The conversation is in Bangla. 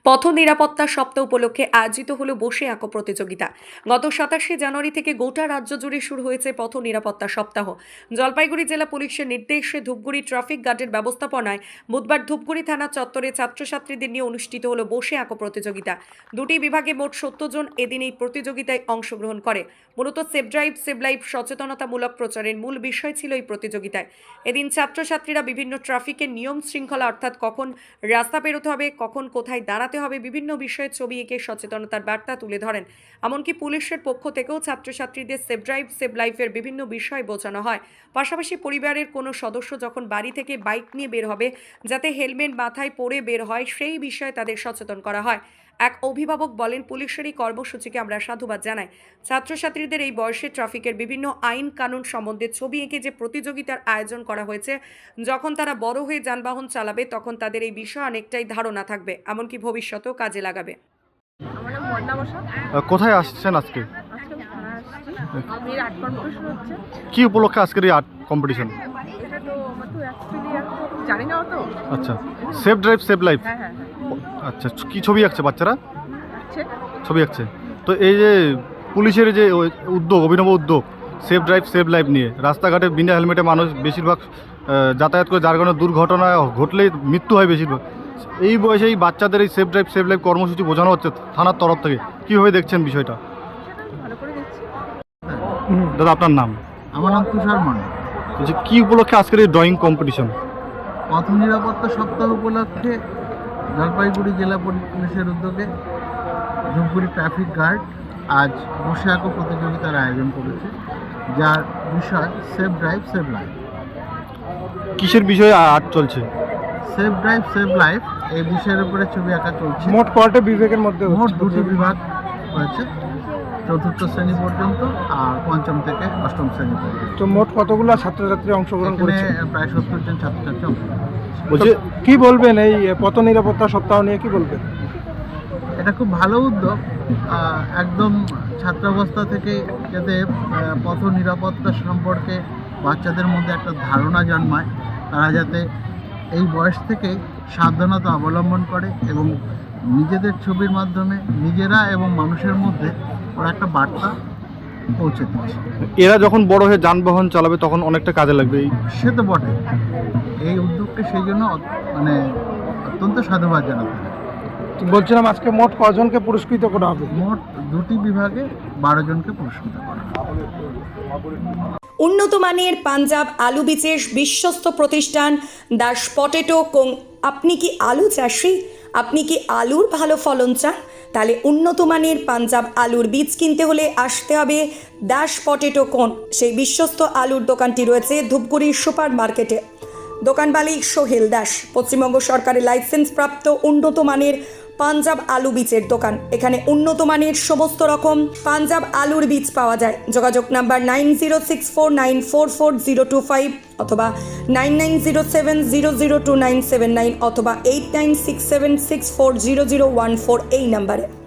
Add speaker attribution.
Speaker 1: পথ নিরাপত্তা সপ্তাহ উপলক্ষে আয়োজিত হলো বসে আঁকো প্রতিযোগিতা। গত 27শে জানুয়ারি থেকে গোটা রাজ্য জুড়ে শুরু হয়েছে পথ নিরাপত্তা সপ্তাহ। জলপাইগুড়ি জেলা পুলিশের নির্দেশে ধূপগুড়ি ট্রাফিক গার্ডের ব্যবস্থাপনায় বুধবার ধূপগুড়ি থানা চত্বরে ছাত্রছাত্রীদের নিয়ে অনুষ্ঠিত হলো বসে আঁকো প্রতিযোগিতা। দুটি বিভাগে মোট 70 জন এদিন এই প্রতিযোগিতায় অংশগ্রহণ করে। মূলত সেভ ড্রাইভ সেভ লাইফ সচেতনতামূলক প্রচারের মূল বিষয় ছিল এই প্রতিযোগিতায়। এদিন ছাত্রছাত্রীরা বিভিন্ন ট্রাফিকের নিয়ম শৃঙ্খলা অর্থাৎ কখন রাস্তা পেরোতে হবে, কখন কোথায় দাঁড়াতে হবে, বিভিন্ন বিষয়ে ছবি এঁকে সচেতনতার বার্তা তুলে ধরেন। এমনকি পুলিশের পক্ষ থেকেও ছাত্রছাত্রীদের সেভ ড্রাইভ সেভ লাইফের বিভিন্ন বিষয় বোঝানো হয়। পাশাপাশি পরিবারের কোনো সদস্য যখন বাড়ি থেকে বাইক নিয়ে বের হবে, যাতে হেলমেট মাথায় পরে বের হয়, সেই বিষয়ে তাদের সচেতন করা হয়। এক অভিভাবক বলেন, পুলিশের এই কর্মসূচিকে আমরা সাধুবাদ জানাই। ছাত্রছাত্রীদের এই বয়সে ট্রাফিকের বিভিন্ন আইন কানুন সম্বন্ধে ছবি এঁকে যে প্রতিযোগিতার আয়োজন করা হয়েছে, যখন তারা বড় হয়ে যানবাহন চালাবে তখন তাদের এই বিষয়ে অনেকটাই ধারণা থাকবে, এমনকি ভবিষ্যতেও কাজে লাগাবে।
Speaker 2: আমার নাম বন্যা বসা।
Speaker 3: কোথায় আসছেন আজকে?
Speaker 2: আজকে থানা আসছি। মেয়ের আর্ট কম্পিটিশন হচ্ছে।
Speaker 3: কি উপলক্ষে আজকের এই আর্ট কম্পিটিশন?
Speaker 2: এটা তো আমার তো অ্যাকচুয়ালি জানি না অত।
Speaker 3: আচ্ছা, সেভ ড্রাইভ সেভ লাইফ।
Speaker 2: হ্যাঁ হ্যাঁ হ্যাঁ।
Speaker 3: আচ্ছা, কি ছবি আঁকছে বাচ্চারা?
Speaker 2: আচ্ছা।
Speaker 3: ছবি আঁকছে। তো এই যে পুলিশের যে উদ্যোগ, অভিনব উদ্যোগ সেভ ড্রাইভ সেভ লাইফ নিয়ে, রাস্তাঘাটে বিনা হেলমেটে মানুষ বেশিরভাগ যাতায়াত করে, যার কারণে দুর্ঘটনা ঘটলেই মৃত্যু হয় বেশিরভাগ। এই বয়সে এই বাচ্চাদের এই সেভ ড্রাইভ সেভ লাইফ কর্মসূচি বোঝানো হচ্ছে থানার তরফ থেকে, কীভাবে দেখছেন বিষয়টা?
Speaker 2: সেটা ভালো করে দেখছি।
Speaker 3: দাদা, আপনার নাম?
Speaker 4: আমার নাম তুষার মণ্ডল।
Speaker 3: যে কী উপলক্ষে আজকের এই ড্রয়িং কম্পিটিশন?
Speaker 4: পথ নিরাপত্তা সপ্তাহ উপলক্ষে জলপাইগুড়ি জেলা পুলিশের উদ্যোগে ধূপগুড়ি ট্রাফিক গার্ড আজ বসে আঁকো প্রতিযোগিতার আয়োজন করেছে, যার বিষয় সেভ ড্রাইভ সেভ লাইফ।
Speaker 3: কিসের বিষয়ে আর্ট চলছে?
Speaker 4: সেভ ড্রাইভ সেভ লাইফ এই বিষয়ের উপরে ছবি আঁকা চলছে।
Speaker 3: মোট কয়টা বিভাগের মধ্যে?
Speaker 4: মোট দুটি বিভাগ হয়েছে, চতুর্থ শ্রেণী পর্যন্ত আর পঞ্চম থেকে অষ্টম শ্রেণী পর্যন্ত।
Speaker 3: তো মোট কতগুলো ছাত্রছাত্রী অংশগ্রহণ করেছে?
Speaker 4: প্রায় 70 জন ছাত্রছাত্রী অংশগ্রহণ করেছে।
Speaker 3: বলছি, কি বলবেন এই পথ নিরাপত্তা সপ্তাহ নিয়ে, কি বলবেন?
Speaker 4: এটা খুব ভালো উদ্যোগ। একদম ছাত্রাবস্থা থেকে যাতে পথ নিরাপত্তা সম্পর্কে বাচ্চাদের মধ্যে একটা ধারণা জন্মায়, তারা যাতে এই বয়স থেকে সাবধানতা অবলম্বন করে এবং নিজেদের ছবির মাধ্যমে নিজেরা এবং মানুষের মধ্যে ওরা একটা বার্তা পৌঁছে দিচ্ছে।
Speaker 3: এরা যখন বড় হয়ে যানবাহন চালাবে তখন অনেকটা কাজে লাগবে।
Speaker 4: সে তো বটে। এই উদ্যোগকে সেই জন্য মানে অত্যন্ত সাধুবাদ জানাতে হয়।
Speaker 3: বলছিলাম, আজকে মোট কজনকে পুরস্কৃত করা হবে?
Speaker 4: মোট দুটি বিভাগে 12 জনকে পুরস্কৃত করা হবে।
Speaker 1: উন্নত মানের পাঞ্জাব আলু বীজের বিশ্বস্ত প্রতিষ্ঠান দাস পটেটো কোং। আপনি কি আলু চাষি? আপনি কি আলুর ভালো ফলন চান? তাহলে উন্নত মানের পাঞ্জাব আলুর বীজ কিনতে হলে আসতে হবে দাস পটেটো কোন। সেই বিশ্বস্ত আলুর দোকানটি রয়েছে ধূপগুড়ির সুপার মার্কেটে। দোকান মালিক সোহেল দাস। পশ্চিমবঙ্গ সরকারের লাইসেন্স প্রাপ্ত উন্নত মানের পাঞ্জাব আলু বীজের দোকান। এখানে উন্নত মানের সমস্ত রকম পাঞ্জাব আলুর বীজ পাওয়া যায়। যোগাযোগ নাম্বার 9064944025 অথবা 9907002979 অথবা 8967640014 এই নাম্বারে।